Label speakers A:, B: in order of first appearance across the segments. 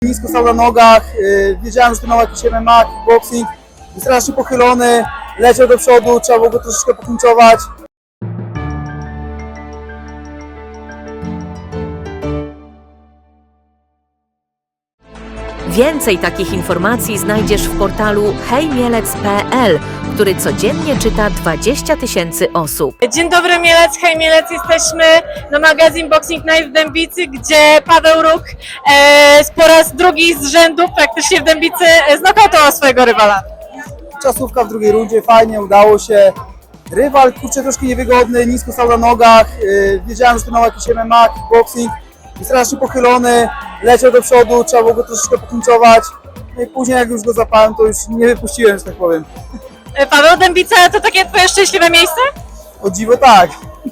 A: Nisko stał na nogach, wiedziałem, że to miał jakiś MMA, kickboxing, był strasznie pochylony, leciał do przodu, trzeba było go troszeczkę poklinczować.
B: Więcej takich informacji znajdziesz w portalu hejmielec.pl, który codziennie czyta 20 000 osób.
C: Dzień dobry Mielec, hej Mielec, jesteśmy na magazyn Boxing Night w Dębicy, gdzie Paweł Róg po raz drugi z rzędu praktycznie w Dębicy znokautował swojego rywala.
A: Czasówka w drugiej rundzie, fajnie, udało się. Rywal, kurczę, troszkę niewygodny, nisko stał na nogach, wiedziałem, że to miał jakiś MMA, kickboxing, był strasznie pochylony, leciał do przodu, trzeba było go troszeczkę poklinczować. No i później jak już go zapałem, to już nie wypuściłem, że tak powiem.
C: Paweł, Dębica to takie twoje szczęśliwe miejsce?
A: O dziwo tak.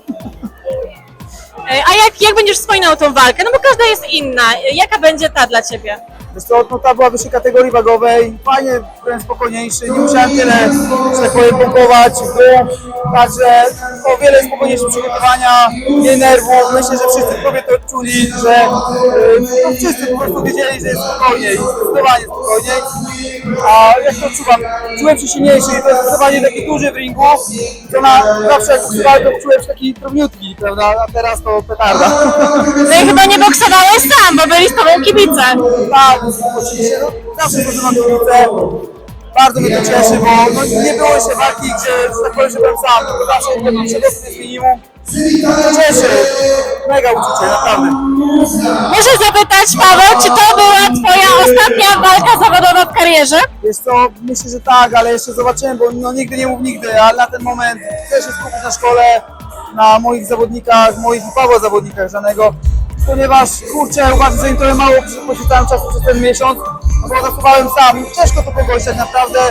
C: A jak będziesz wspominał tą walkę? No bo każda jest inna. Jaka będzie ta dla ciebie?
A: Wiesz co, no ta była wyższej kategorii wagowej, fajnie, byłem spokojniejszy, nie musiałem tyle, że tak powiem, pompować w dół, także o wiele spokojniejsze przygotowania, mniej nerwów, myślę, że wszyscy w klubie to odczuli, że no, wszyscy po prostu wiedzieli, że jest spokojniej, zdecydowanie spokojniej, a jak to odczuwam, czułem się silniejszy i to jest zdecydowanie taki duży w ringu, to zawsze jak boksowałem, to czułem się taki drobniutki, prawda, a teraz to petarda.
C: No i chyba nie boksowałeś sam, bo byli z tobą kibice.
A: Tak, oczywiście, no, zawsze używam kibice. Bardzo mnie to cieszy, bo no, nie było jeszcze walki, gdzie, że tak powiem, że byłem sam, tylko zawsze tego przedostęp jest minimum. Cieszy, mega uczucie, naprawdę.
C: Muszę zapytać, Paweł, czy to była twoja ostatnia walka zawodowa w karierze?
A: Wiesz co, myślę, że tak, ale jeszcze zobaczymy, bo no, nigdy nie mów nigdy, ale na ten moment chcę się skupić na szkole, na moich zawodnikach, moich i Pawła zawodnikach żadnego, ponieważ kurczę, uważam, że im trochę mało poświęcałem czasu przez ten miesiąc, no bo zasuwałem sam, ciężko to pogodzić tak naprawdę,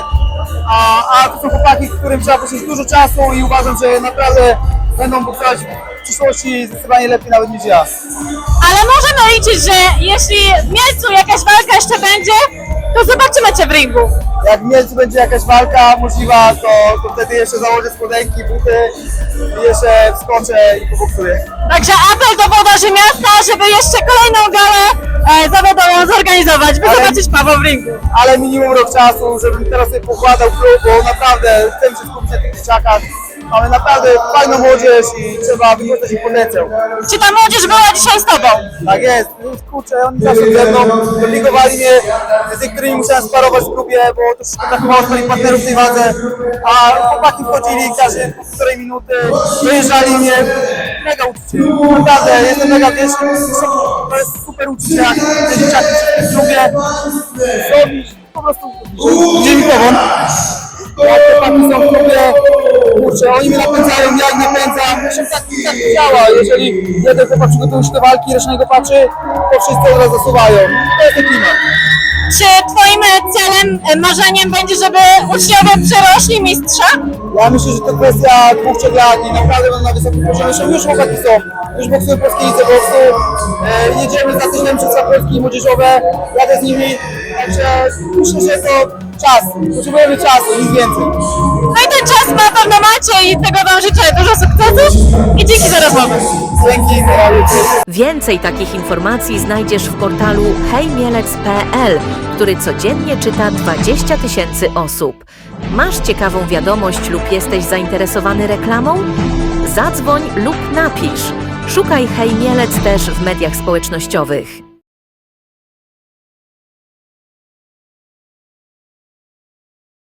A: a to są chłopaki, którym trzeba poświęcić dużo czasu i uważam, że naprawdę będą boksować w przyszłości zdecydowanie lepiej nawet niż ja.
C: Ale możemy liczyć, że jeśli w Mielcu jakaś walka jeszcze będzie, to zobaczymy cię w ringu.
A: Jak w Mielcu będzie jakaś walka możliwa, to wtedy jeszcze założę spodenki, buty i jeszcze wskoczę i poboksuję.
C: Także apel do włodarzy miasta, żeby jeszcze kolejną galę zawodową zorganizować, by zobaczyć Pawła w ringu.
A: Ale minimum rok czasu, żebym teraz sobie pokładał klub, bo naprawdę chcę się skupić na tych dzieciakach. Mamy naprawdę fajną młodzież i trzeba wykorzystać ich potencjał.
C: Czy ta młodzież była dzisiaj z tobą?
A: Tak jest, kurczę, oni zawsze ze mną obligowali mnie, z niektórymi musiałem sparować w klubie, bo troszeczkę brakowało swoich partnerów w tej wadze, a chłopaki wchodzili każdy po półtorej minuty, dojeżdżali mnie, mega uczucie, naprawdę jestem mega wdzięczny, to jest super uczucie, jak te dzieciaki w klubie zrobić, po prostu dzień powon. Jak chłopaki są w klubie, kurczę, oni mnie napędzają, ja ich napędzam, tak działa, jeżeli jeden chłopak przygotuje się do walki, reszta go patrzy, to wszyscy od razu zasuwają, to jest ten klimat.
C: Czy twoim celem, marzeniem będzie, żeby uczniowie przerośli mistrza?
A: Ja myślę, że to kwestia 2-3 lat i naprawdę będą na wysokim poziomie, zresztą już chłopaki są, już boksują polskie lidze boksu, jedziemy za tydzień Mistrzostwa Polski młodzieżowe, jadę z nimi, także myślę, że to czas, potrzebujemy czasu, nic więcej.
C: No i ten czas na pewno macie i tego wam życzę dużo sukcesów i dzięki za rozmowę.
A: Dzięki,
B: Więcej takich informacji znajdziesz w portalu hejmielec.pl, który codziennie czyta 20 000 osób. Masz ciekawą wiadomość lub jesteś zainteresowany reklamą? Zadzwoń lub napisz. Szukaj Hej Mielec też w mediach społecznościowych.